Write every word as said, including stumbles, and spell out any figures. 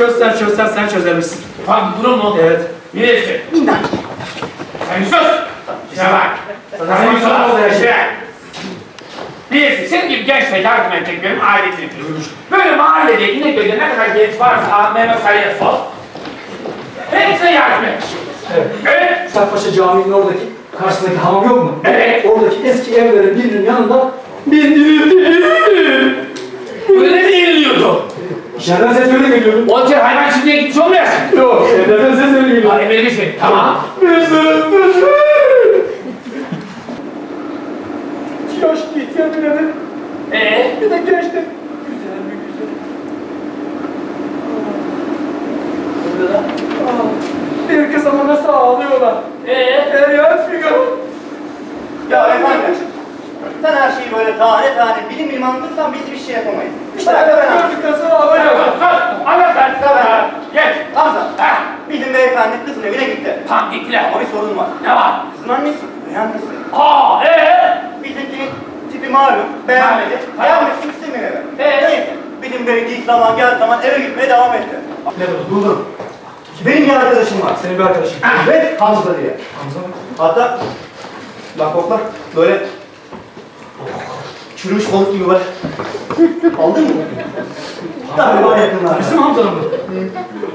Çözsen çözsen sen çözermişsin. Ufak bir durum mu? Evet. Birisi. Sen sus! İşe bak. Sana bir soru oldu işte. Birisi, senin gibi gençle yardım etmek benim adetimdir. Böyle mahallede, İnegöl'de ne kadar genç varsa Mehmet Ali'ye sor. Hepsine yardım et. Evet. Evet. Üstadpaşa Camii'nin oradaki karşısındaki hamam yok mu? Evet. Oradaki eski evlerin birinin yanında bir düğün. Böyle ne yeniliyordu? İçeriden ses öyle geliyordu. O tür hayvan şimdiye gitmiş olmayasın. Yok, evlerden ses öyle geliyordu. Ha, emredisin. Tamam. Bizim, bizim. Yaş ihtiyar bir adam. Ee? Bir de gençti. Güzel bir güzel. Burada da. Aa, bir kız ama nasıl ağlıyorlar. Ee? Feryat figan. Ya efendim, sen her şeyi böyle tane tane bilim bilim anlatırsan biz bir şey yapamayız. İşte Bırak da ben anlatayım. gördükten sonra ağlıyor. Anlat sen. Tamam. Geç. Hamza, Ha. bizim beyefendi kızın evine gitti. Tam gittiler. Ama bir sorun var. Ne var? Kızın annesi, beğenmesi. Aa, ee? Bizimkinin tipi malum, beğenmedi. Ha. Beğenmesini istemiyor eve. Ee? Neyse, bizim bey ilk zaman geldiği zaman eve gitmeye devam etti. Ne oldu? Buldum. Benim bir arkadaşım var. Senin bir arkadaşın. Evet, Hamza diye. Hamza mı? Hatta, bak kokla, böyle çürümüş balık gibi var. Aldın mı? Galiba yakınlar. Bizim Hamza'nın mı?